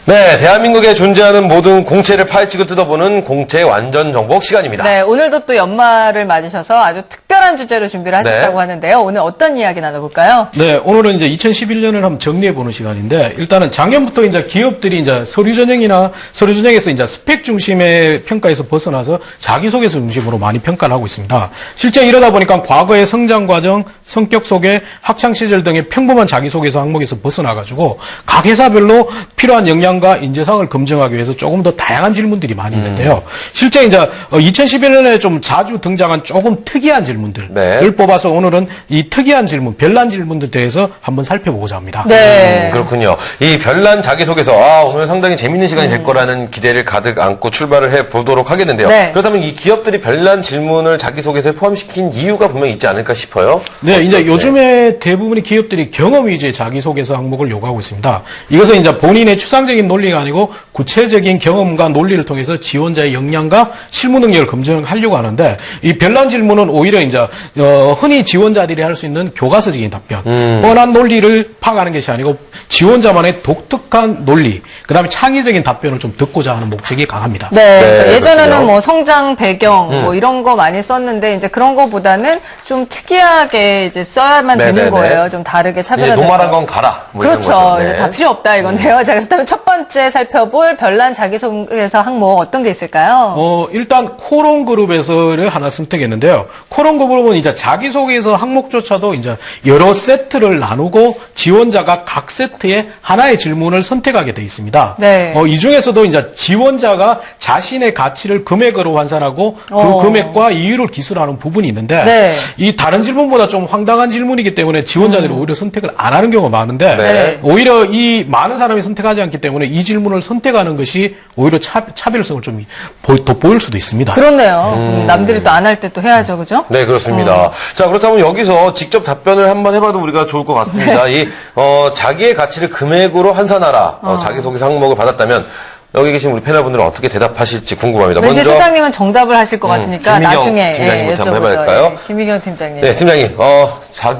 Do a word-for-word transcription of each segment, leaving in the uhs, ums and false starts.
네, 대한민국에 존재하는 모든 공채를 파헤치고 뜯어보는 공채 완전 정복 시간입니다. 네, 오늘도 또 연말을 맞으셔서 아주 특별한 주제로 준비를 하셨다고 네. 하는데요. 오늘 어떤 이야기 나눠볼까요? 네, 오늘은 이제 이천십일 년을 한번 정리해보는 시간인데, 일단은 작년부터 이제 기업들이 이제 서류 전형이나 서류 전형에서 이제 스펙 중심의 평가에서 벗어나서 자기소개서 중심으로 많이 평가를 하고 있습니다. 실제 이러다 보니까 과거의 성장 과정, 성격 소개, 학창 시절 등의 평범한 자기소개서 항목에서 벗어나가지고 각 회사별로 필요한 역량과 인재상을 검증하기 위해서 조금 더 다양한 질문들이 많이 있는데요. 음. 실제 이제 이천십일 년에 좀 자주 등장한 조금 특이한 질문들을 네. 뽑아서 오늘은 이 특이한 질문, 별난 질문들에 대해서 한번 살펴보고자 합니다. 네. 음, 그렇군요. 이 별난 자기소개서, 아, 오늘 상당히 재밌는 시간이 될 음. 거라는 기대를 가득 안고 출발을 해보도록 하겠는데요. 네. 그렇다면 이 기업들이 별난 질문을 자기소개서에 포함시킨 이유가 분명히 있지 않을까 싶어요. 네, 이제 네. 요즘에 대부분의 기업들이 경험 위주의 자기소개서 항목을 요구하고 있습니다. 이것은 이제 본인의 추상적인 논리가 아니고 구체적인 경험과 논리를 통해서 지원자의 역량과 실무 능력을 검증하려고 하는데, 이 별난 질문은 오히려 이제 어, 흔히 지원자들이 할 수 있는 교과서적인 답변, 음. 뻔한 논리를 파악하는 것이 아니고 지원자만의 독특한 논리, 그다음에 창의적인 답변을 좀 듣고자 하는 목적이 강합니다. 네, 네 예전에는 그렇군요. 뭐 성장 배경 음. 뭐 이런 거 많이 썼는데 이제 그런 거보다는 좀 특이하게 이제 써야만 네네네. 되는 거예요. 좀 다르게 차별화돼서. 노말한 건 가라. 뭐 그렇죠. 네. 이제 다 필요 없다 이건데요. 음. 자, 그렇다면 첫 번째 살펴볼 별난 자기소개서 항목 어떤 게 있을까요? 어, 일단 코론 그룹에서를 하나 선택했는데요. 코론 그룹은 이제 자기소개서 항목조차도 이제 여러 세트를 나누고 지원자가 각 세트에 하나의 질문을 선택하게 돼 있습니다. 네. 어, 이 중에서도 이제 지원자가 자신의 가치를 금액으로 환산하고 그 어. 금액과 이유를 기술하는 부분이 있는데 네. 이 다른 질문보다 좀 황당한 질문이기 때문에 지원자들이 음. 오히려 선택을 안 하는 경우가 많은데 네. 오히려 이 많은 사람이 선택하지 않기 때문에 이 질문을 선택하는 것이 오히려 차, 차별성을 좀 돋보일 수도 있습니다. 그렇네요. 음. 남들이 또 안 할 때 또 해야죠, 그죠? 네, 그렇습니다. 어. 자, 그렇다면 여기서 직접 답변을 한번 해봐도 우리가 좋을 것 같습니다. 네. 이 어, 자기의 가치를 금액으로 환산하라. 어. 어, 자기소개서 항목을 받았다면 여기 계신 우리 패널분들은 어떻게 대답하실지 궁금합니다. 왠지 먼저 소장님은 정답을 하실 것 같으니까 음, 김민경 나중에 팀장님부터 예, 한번 해봐야 할까요? 예, 김민경 팀장님. 네, 팀장님. 어,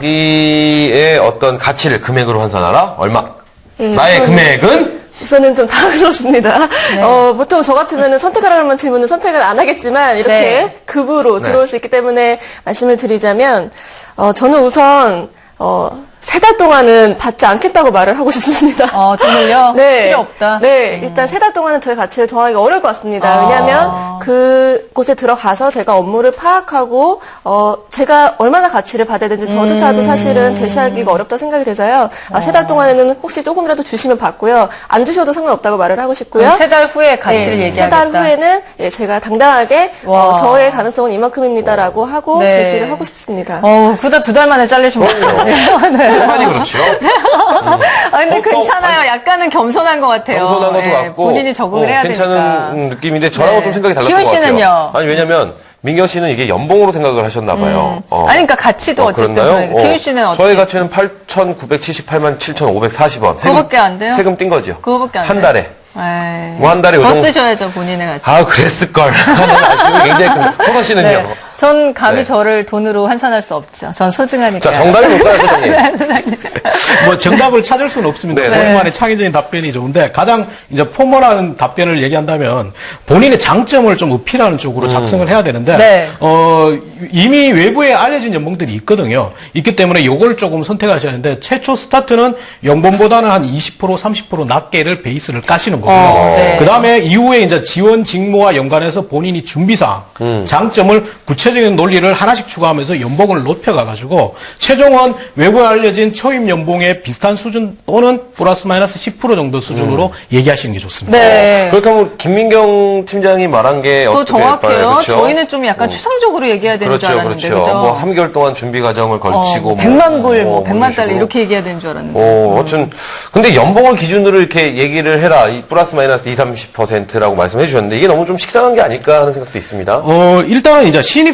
자기의 어떤 가치를 금액으로 환산하라. 얼마? 예, 나의 저는, 금액은? 저는 좀 당황스럽습니다. 네. 어, 보통 저 같으면 선택하라는 질문은 선택을 안 하겠지만 이렇게 네. 급으로 들어올 네. 수 있기 때문에 말씀을 드리자면 어, 저는 우선 어, 세 달 동안은 받지 않겠다고 말을 하고 싶습니다. 어, 돈을요? 네. 필요 없다? 네. 음. 일단 세 달 동안은 저의 가치를 정하기가 어려울 것 같습니다. 아. 왜냐하면 그곳에 들어가서 제가 업무를 파악하고, 어, 제가 얼마나 가치를 받아야 되는지 저조차도 음. 사실은 제시하기가 어렵다고 생각이 돼서요. 아, 세 달 동안에는 혹시 조금이라도 주시면 받고요. 안 주셔도 상관없다고 말을 하고 싶고요. 세 달 후에 가치를 네. 얘기하겠다. 세 달 후에는 예, 제가 당당하게 어, 저의 가능성은 이만큼입니다라고 하고 네. 제시를 하고 싶습니다. 어, 그러다 두 달 만에 잘리시면 어떡해요? 많이 그렇죠. 음. 아, 근데 괜찮아요. 약간은 겸손한 것 같아요. 겸손한 것도 네, 같고. 본인이 적응을 어, 해야 괜찮은 되니까. 느낌인데 저랑은 네. 좀 생각이 달랐던 것 씨는요? 같아요. 아니, 왜냐면 민경 씨는 이게 연봉으로 생각을 하셨나 봐요. 음. 어. 아니, 그러니까 가치도 어, 어쨌든. 그렇나요? 어. 기훈 씨는 어떻게? 저희 가치는 팔천구백칠십팔만 칠천오백사십 원. 그거밖에 안 돼요? 세금 뗀 거죠. 그거밖에 안 돼요? 한 달에. 뭐 한 달에 더 요정... 쓰셔야죠, 본인의 가치. 아, 그랬을걸. 아쉬움이 굉장히 큽니다. 호선 씨는요? 네. 전 감히 네. 저를 돈으로 환산할 수 없죠. 전 소중하니까. 자, 정답이 뭘까요, 소장님? 뭐 정답을 찾을 수는 없습니다. 네. 본인만의 창의적인 답변이 좋은데 가장 이제 포멀한 답변을 얘기한다면 본인의 장점을 좀 어필하는 쪽으로 작성을 해야 되는데 네. 어, 이미 외부에 알려진 연봉들이 있거든요. 있기 때문에 요걸 조금 선택하셔야 하는데 최초 스타트는 연봉보다는 한 이십 퍼센트, 삼십 퍼센트 낮게를 베이스를 까시는 거고요. 어, 네. 그 다음에 이후에 이제 지원 직무와 연관해서 본인이 준비사항, 음. 장점을 구체적인 논리를 하나씩 추가하면서 연봉을 높여가가지고 최종은 외부에 알려진 초임 연봉의 비슷한 수준 또는 플러스 마이너스 십 퍼센트 정도 수준으로 음. 얘기하시는 게 좋습니다. 네. 어, 그렇다면 김민경 팀장이 말한 게 더 어떻게 정확해요. 그렇죠? 저희는 좀 약간 어. 추상적으로 얘기해야 되는 그렇죠, 줄 알았는데 그렇죠. 그죠? 뭐 삼 개월 동안 준비 과정을 걸치고 어, 뭐, 백만 불, 뭐, 뭐 백만 달러 식으로. 이렇게 얘기해야 되는 줄 알았는데. 어, 어쨌든 근데 연봉을 기준으로 이렇게 얘기를 해라. 이 플러스 마이너스 이십, 삼십 퍼센트라고 말씀해 주셨는데 이게 너무 좀 식상한 게 아닐까 하는 생각도 있습니다. 어, 일단은 이제 신입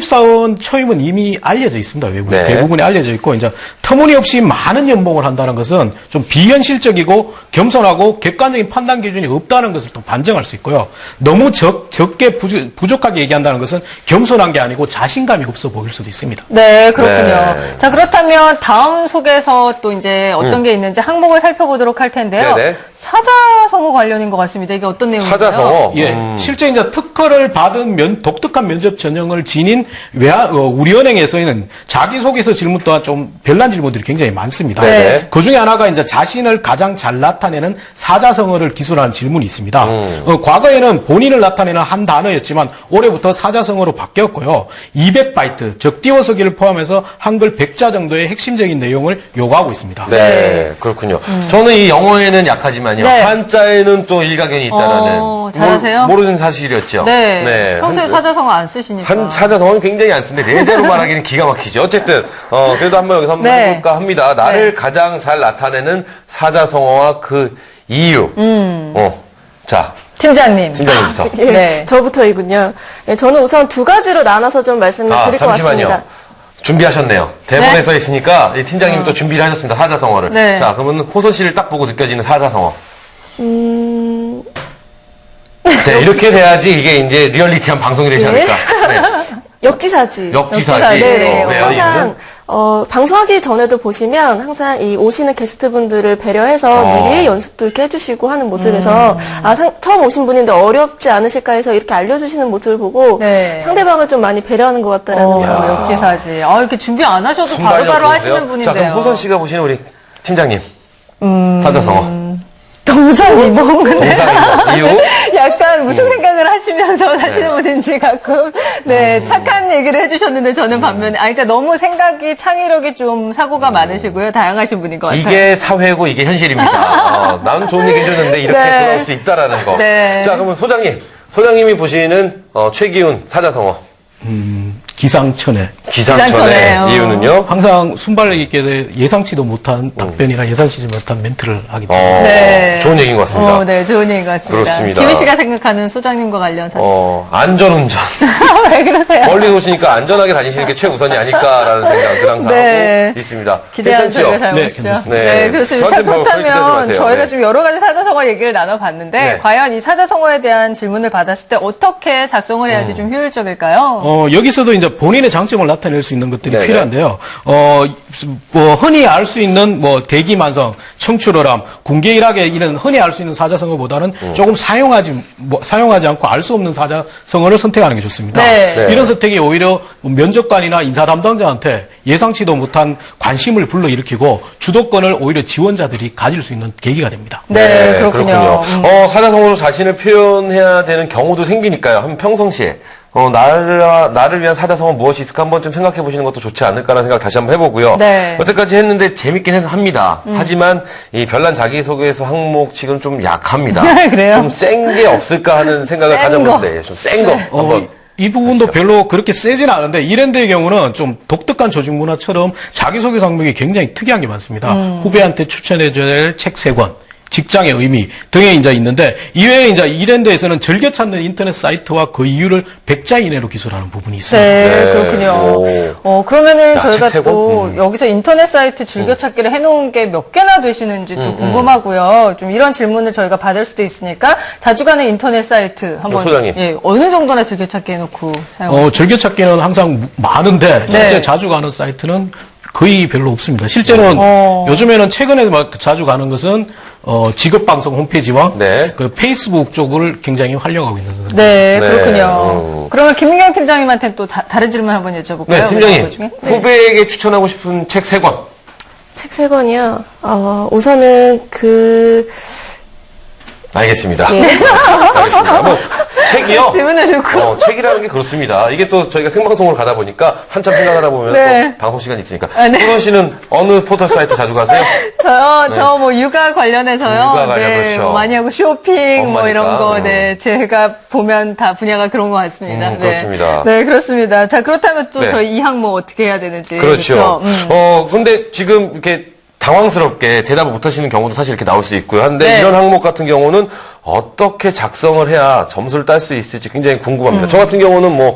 신입사원 초임은 이미 알려져 있습니다. 외부에 네. 대부분이 알려져 있고 이제 터무니없이 많은 연봉을 한다는 것은 좀 비현실적이고 겸손하고 객관적인 판단 기준이 없다는 것을 또 반증할 수 있고요. 너무 적, 적게 부족, 부족하게 얘기한다는 것은 겸손한 게 아니고 자신감이 없어 보일 수도 있습니다. 네, 그렇군요. 네. 자, 그렇다면 다음 속에서 또 이제 어떤 음. 게 있는지 항목을 살펴보도록 할 텐데요. 네네. 사자성어 관련인 것 같습니다. 이게 어떤 내용인가요? 사자성어. 예, 음. 실제 이제 특허를 받은 면, 독특한 면접 전형을 지닌 외화, 어, 우리은행에서는 자기소개서 질문 또한 좀 별난 질문들이 굉장히 많습니다. 네. 그 중에 하나가 이제 자신을 가장 잘 나타내는 사자성어를 기술하는 질문이 있습니다. 음. 어, 과거에는 본인을 나타내는 한 단어였지만 올해부터 사자성어로 바뀌었고요. 이백 바이트, 즉 띄워쓰기를 포함해서 한글 백 자 정도의 핵심적인 내용을 요구하고 있습니다. 네, 그렇군요. 저는 이 영어에는 약하지만요. 네. 한자에는 또 일가견이 있다라는. 어, 잘하세요? 모르, 모르는 사실이었죠. 네. 평소에 한- 사자성어 안 쓰시니까. 한 사자성어는 굉장히 안 쓰는데 네자로 말하기는 기가 막히죠. 어쨌든 어 그래도 한번 여기서 한번 네. 해볼까 합니다. 나를 네. 가장 잘 나타내는 사자성어와 그 이유. 음. 어, 자 팀장님. 팀장님부터. 예, 네. 저부터이군요. 예, 저는 우선 두 가지로 나눠서 좀 말씀을 아 드릴 것 잠시만요. 같습니다. 준비하셨네요. 대본에 네. 써 있으니까 이 팀장님이 또 준비를 하셨습니다. 사자성어를. 네. 자 그러면 호선 씨를 딱 보고 느껴지는 사자성어. 음, 네, 이렇게 돼야지 이게 이제 리얼리티한 방송이 되지 네. 않을까. 네. 역지사지. 역지사지. 네네. 어, 왜요? 항상 이유는? 어, 방송하기 전에도 보시면 항상 이 오시는 게스트분들을 배려해서 어. 미리 연습도 이렇게 해주시고 하는 모습에서 아 상- 처음 오신 분인데 어렵지 않으실까 해서 이렇게 알려주시는 모습을 보고 네. 상대방을 좀 많이 배려하는 것 같다라는 어, 생각이 들어요. 역지사지. 아, 이렇게 준비 안 하셔도 순발력 바로바로 좋으세요? 하시는 분인데요. 자 그럼 호선 씨가 보시는 우리 팀장님. 음. 사자성어. 동상이몽. 동상이몽. 이유? 약간 무슨 생각을 하시면서 사시는 분인지 가끔 네 착한 얘기를 해주셨는데 저는 반면에 아 그러니까 너무 생각이 창의력이 좀 사고가 많으시고요 다양하신 분인 것 같아요. 이게 사회고 이게 현실입니다. 어, 나는 좋은 얘기 해줬는데 이렇게 네. 돌아올 수 있다라는 거. 네. 자 그러면 소장님. 소장님이 보시는 어, 최기훈 사자성어. 기상천외. 기상천외. 기상천외, 어. 이유는요? 항상 순발력 있게 예상치도 못한 답변이나 예상치지 못한 멘트를 하기 때문에 어, 네. 좋은 얘기인 것 같습니다. 어, 네, 좋은 얘기인 것 같습니다. 그렇습니다. 김희 씨가 생각하는 소장님과 관련 사실. 어, 안전운전. 왜 그러세요? 멀리 오시니까 안전하게 다니시는 게 최우선이 아닐까라는 생각을 항상 네. 하고 있습니다. 기대하는 괜찮죠? 저희가 잘 네, 보시죠. 괜찮습니다. 네, 네. 그렇습니다. 자, 저한테 뭐 그렇게 그렇다면 하지 마세요. 저희가 네. 좀 여러 가지 사자성어 얘기를 나눠봤는데 네. 과연 이 사자성어에 대한 질문을 받았을 때 어떻게 작성을 해야지 음. 좀 효율적일까요? 어, 여기서도 이제 본인의 장점을 나타낼 수 있는 것들이 네네. 필요한데요. 어, 뭐, 흔히 알 수 있는 뭐, 대기만성, 청출어람, 군계일학의 이런 흔히 알 수 있는 사자성어보다는 음. 조금 사용하지, 뭐, 사용하지 않고 알 수 없는 사자성어를 선택하는 게 좋습니다. 네. 네. 이런 선택이 오히려 면접관이나 인사 담당자한테 예상치도 못한 관심을 불러일으키고 주도권을 오히려 지원자들이 가질 수 있는 계기가 됩니다. 네, 그렇군요. 음. 어, 사자성어로 자신을 표현해야 되는 경우도 생기니까요. 한 평상시에 어, 나를, 나를 위한 사자성어 무엇이 있을까 한번 좀 생각해 보시는 것도 좋지 않을까라는 생각 다시 한번 해보고요. 네. 여태까지 했는데 재밌긴 해서 합니다. 하지만 이 별난 자기소개서 항목 지금 좀 약합니다. 그래요? 좀 센 게 없을까 하는 생각을 센 가져보는데 좀 센 거 어, 한번. 이 부분도 별로 그렇게 세지는 않은데 이랜드의 경우는 좀 독특한 조직 문화처럼 자기소개서 항목이 굉장히 특이한 게 많습니다. 음. 후배한테 추천해줘야 될 책 세 권, 직장의 의미 등에 이제 있는데 이외에 이제 이랜드에서는 즐겨 찾는 인터넷 사이트와 그 이유를 백 자 이내로 기술하는 부분이 있습니다. 네, 네. 그렇군요. 오. 어, 그러면은 야, 저희가 책 세 또 권? 여기서 인터넷 사이트 즐겨찾기를 해놓은 게 몇 개나 되시는지 또 궁금하고요. 좀 이런 질문을 저희가 받을 수도 있으니까 자주 가는 인터넷 사이트 한번 소장님. 예, 어느 정도나 즐겨찾기 해놓고 사용. 어, 즐겨찾기는 항상 많은데 실제 네. 자주 가는 사이트는 거의 별로 없습니다. 실제로는 어. 요즘에는 최근에 막 자주 가는 것은 어, 직업방송 홈페이지와 네. 그 페이스북 쪽을 굉장히 활용하고 있는 상황입니다. 네, 네, 그렇군요. 음. 그러면 김민경 팀장님한테 또 다, 다른 질문 한번 여쭤볼까요? 네, 팀장님. 그 중에? 네. 후배에게 추천하고 싶은 책 세 권. 책 세 권이요. 어, 우선은 그 알겠습니다. 네. 알겠습니다. 뭐, 책이요? 질문을 듣고. 어, 책이라는 게 그렇습니다. 이게 또 저희가 생방송으로 가다 보니까 한참 생각하다 보면 네. 또 방송 시간이 있으니까. 아, 네. 후돈 씨는 어느 포털 사이트 자주 가세요? 저요, 저 뭐 육아 관련해서요. 육아 관련, 네, 그렇죠. 뭐 많이 하고 쇼핑 뭐 엄마니까. 이런 거, 음. 네, 제가 보면 다 분야가 그런 것 같습니다. 음, 네. 그렇습니다. 네, 그렇습니다. 자, 그렇다면 또 네. 저희 이 항목 어떻게 해야 되는지. 그렇죠. 음. 어, 근데 지금 이렇게 당황스럽게 대답을 못 하시는 경우도 사실 이렇게 나올 수 있고요. 한데 네. 이런 항목 같은 경우는 어떻게 작성을 해야 점수를 딸 수 있을지 굉장히 궁금합니다. 저 같은 경우는 뭐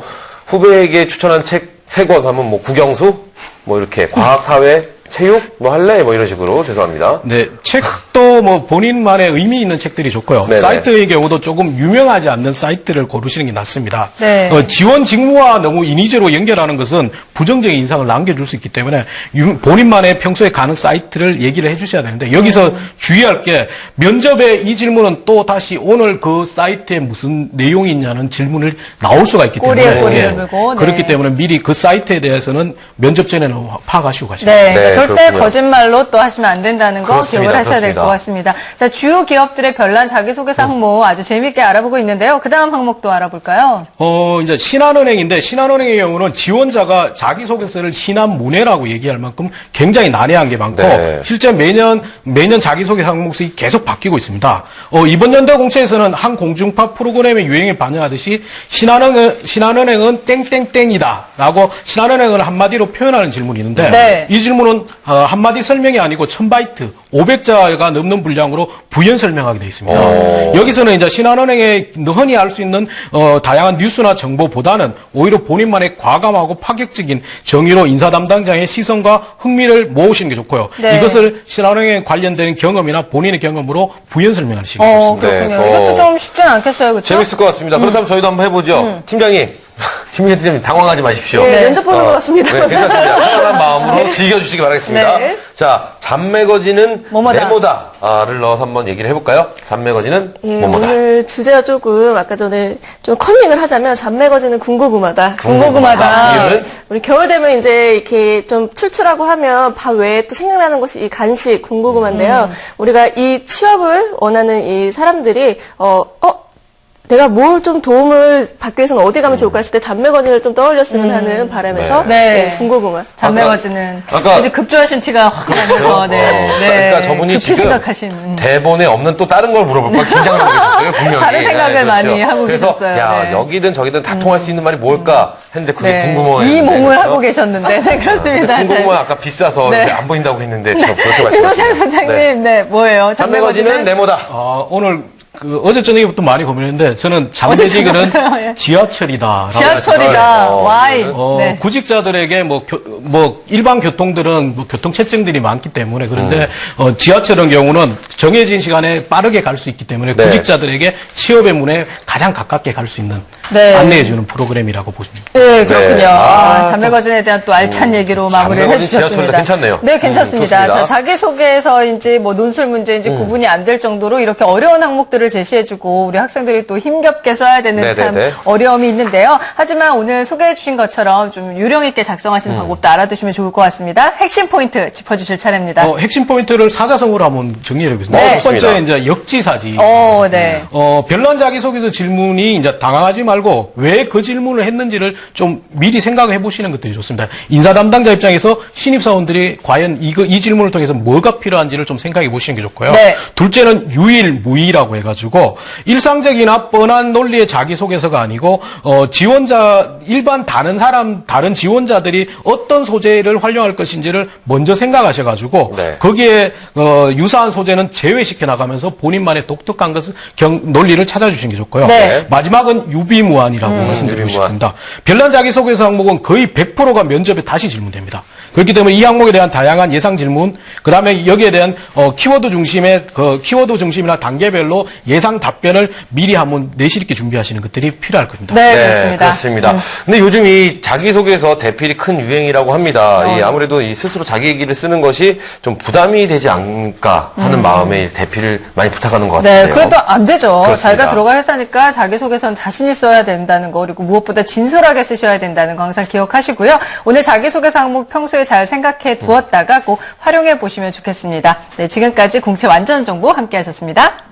후배에게 추천한 책 세 권 하면 뭐 국영수, 뭐 이렇게 과학, 사회, 체육, 뭐 할래? 뭐 이런 식으로 죄송합니다. 네, 책도 뭐 본인만의 의미 있는 책들이 좋고요. 네네. 사이트의 경우도 조금 유명하지 않는 사이트를 고르시는 게 낫습니다. 네. 어, 지원 직무와 너무 인위적으로 연결하는 것은 부정적인 인상을 남겨줄 수 있기 때문에 유- 본인만의 평소에 가는 사이트를 얘기를 해주셔야 되는데 여기서 음. 주의할 게 면접에 이 질문은 또 다시 오늘 그 사이트에 무슨 내용이 있냐는 질문을 나올 수가 있기 때문에 꼬리에 꼬리를 예, 물고, 네. 그렇기 때문에 미리 그 사이트에 대해서는 면접 전에는 파악하시고 가시면 네, 네, 절대 그렇군요. 거짓말로 또 하시면 안 된다는 거 그렇습니다. 기억을 하셔야 될 그렇습니다. 것 같습니다. 자, 주요 기업들의 별난 자기소개서 항목 아주 재미있게 알아보고 있는데요. 그 다음 항목도 알아볼까요? 어, 이제 신한은행인데, 신한은행의 경우는 지원자가 자기소개서를 신한문예라고 얘기할 만큼 굉장히 난해한 게 많고, 네. 실제 매년, 매년 자기소개 항목이 계속 바뀌고 있습니다. 어, 이번 연도 공채에서는 한 공중파 프로그램의 유행에 반영하듯이, 신한은행, 신한은행은 땡땡땡이다. 라고 신한은행을 한마디로 표현하는 질문이 있는데, 네. 이 질문은, 어, 한마디 설명이 아니고 천 바이트, 오백 자가 넘는 분량으로 부연 설명하게 되어 있습니다. 오. 여기서는 이제 신한은행에 흔히 알 수 있는 어, 다양한 뉴스나 정보보다는 오히려 본인만의 과감하고 파격적인 정의로 인사 담당자의 시선과 흥미를 모으시는 게 좋고요. 네. 이것을 신한은행에 관련된 경험이나 본인의 경험으로 부연 설명하시는 게 어, 좋습니다. 그렇군요. 네, 이것도 어. 좀 쉽지는 않겠어요. 그렇죠? 재밌을 것 같습니다. 그렇다면 저희도 한번 해보죠. 팀장님, 김민혜 팀장님 당황하지 마십시오. 네, 네. 면접 보는 것 같습니다. 네, 괜찮습니다. 편안한 마음으로 즐겨주시기 바라겠습니다. 네. 자, 잡매거진은 뭐뭐다. 네모다를 넣어서 한번 얘기를 해볼까요? 잡매거진은 예, 뭐뭐다. 오늘 주제가 조금 아까 전에 좀 컨닝을 하자면 잡매거지는 궁고구마다. 궁고구마다. 이유는? 우리 겨울 되면 이제 이렇게 좀 출출하고 하면 밥 외에 또 생각나는 것이 이 간식 궁고구마인데요. 우리가 이 취업을 원하는 이 사람들이 어, 어 내가 뭘 좀 도움을 받기 위해서는 어디 가면 좋을까 했을 때 잡매거진을 좀 떠올렸으면 하는 바람에서 네. 네, 궁고구마. 잡매거지는 아까- 이제 급조하신 티가 확 나면서 네, 어, 네. 그러니까 저분이 급히 지금 생각하신 음. 대본에 없는 또 다른 걸 물어볼 걸 긴장을 하고 계셨어요, 분명히. 다른 생각을 네, 그렇죠. 많이 하고 그래서 계셨어요. 야, 네. 여기든 저기든 다 통할 수 있는 말이 뭘까 했는데 그게 네. 궁금해요. 이 몸을 하고 계셨는데 네, 그렇습니다. 궁금은 아까 비싸서 네. 이제 안 보인다고 했는데 저 그렇게 김호상 말씀하시네요. 소장님, 네, 뭐예요? 잡매거진은 네모다. 아, 오늘 그 어제 저녁에부터 많이 고민했는데 저는 잠재직은 저녁부터요, 예. 지하철이다. 지하철이다. 어, 와이. 어, 네. 구직자들에게 뭐, 교- 뭐 일반 교통들은 뭐 교통 체증들이 많기 때문에 그런데 음. 어, 지하철의 경우는 정해진 시간에 빠르게 갈 수 있기 때문에 네. 구직자들에게 취업의 문에 가장 가깝게 갈 수 있는 네. 안내해주는 프로그램이라고 보십니다. 네, 그렇군요. 네. 아, 아, 잡매거진에 대한 또 알찬 얘기로 마무리를 잡매거진 해주셨습니다. 지하철이다. 괜찮네요. 네, 괜찮습니다. 음, 좋습니다. 자, 자기소개서인지 뭐 논술 문제인지 구분이 안 될 정도로 이렇게 어려운 항목들을 제시해주고 우리 학생들이 또 힘겹게 써야 되는 네네네. 참 어려움이 있는데요. 하지만 오늘 소개해주신 것처럼 좀 요령 있게 작성하시는 음. 방법도 알아두시면 좋을 것 같습니다. 핵심 포인트 짚어주실 차례입니다. 어, 핵심 포인트를 사자성어로 한번 정리해 보겠습니다. 네. 첫 번째 좋습니다. 이제 역지사지. 오, 네. 어, 별난 자기소개서 질문이 이제 당황하지 말고 왜 그 질문을 했는지를 좀 미리 생각해 보시는 것들이 좋습니다. 인사 담당자 입장에서 신입사원들이 과연 이거, 이 질문을 통해서 뭐가 필요한지를 좀 생각해 보시는 게 좋고요. 네. 둘째는 유일무이라고 해가지고 일상적이나 뻔한 논리의 자기소개서가 아니고 어, 지원자, 일반 다른 사람, 다른 지원자들이 어떤 소재를 활용할 것인지를 먼저 생각하셔가지고 네. 거기에 어, 유사한 소재는 제외시켜 나가면서 본인만의 독특한 것을 경, 논리를 찾아주시는 게 좋고요. 네. 마지막은 유비무환이라고 말씀드리고 유비무환. 싶습니다. 별난 자기소개서 항목은 거의 백 퍼센트가 면접에 다시 질문됩니다. 그렇기 때문에 이 항목에 대한 다양한 예상 질문, 그 다음에 여기에 대한 어, 키워드 중심의 그 키워드 중심이나 단계별로 예상 답변을 미리 한번 내실 있게 준비하시는 것들이 필요할 겁니다. 네, 그렇습니다. 그렇습니다. 음. 근데 요즘 이 자기소개서 대필이 큰 유행이라고 합니다. 어. 이 아무래도 이 스스로 자기 얘기를 쓰는 것이 좀 부담이 되지 않을까 하는 마음에 대필을 많이 부탁하는 것 같아요. 네, 그래도 안 되죠. 그렇습니다. 자기가 들어갈 회사니까 자기소개서는 자신이 써야 된다는 거, 그리고 무엇보다 진솔하게 쓰셔야 된다는 거 항상 기억하시고요. 오늘 자기소개서 항목 평소에 잘 생각해 두었다가 꼭 활용해 보시면 좋겠습니다. 네, 지금까지 공채 완전 정보 함께 하셨습니다.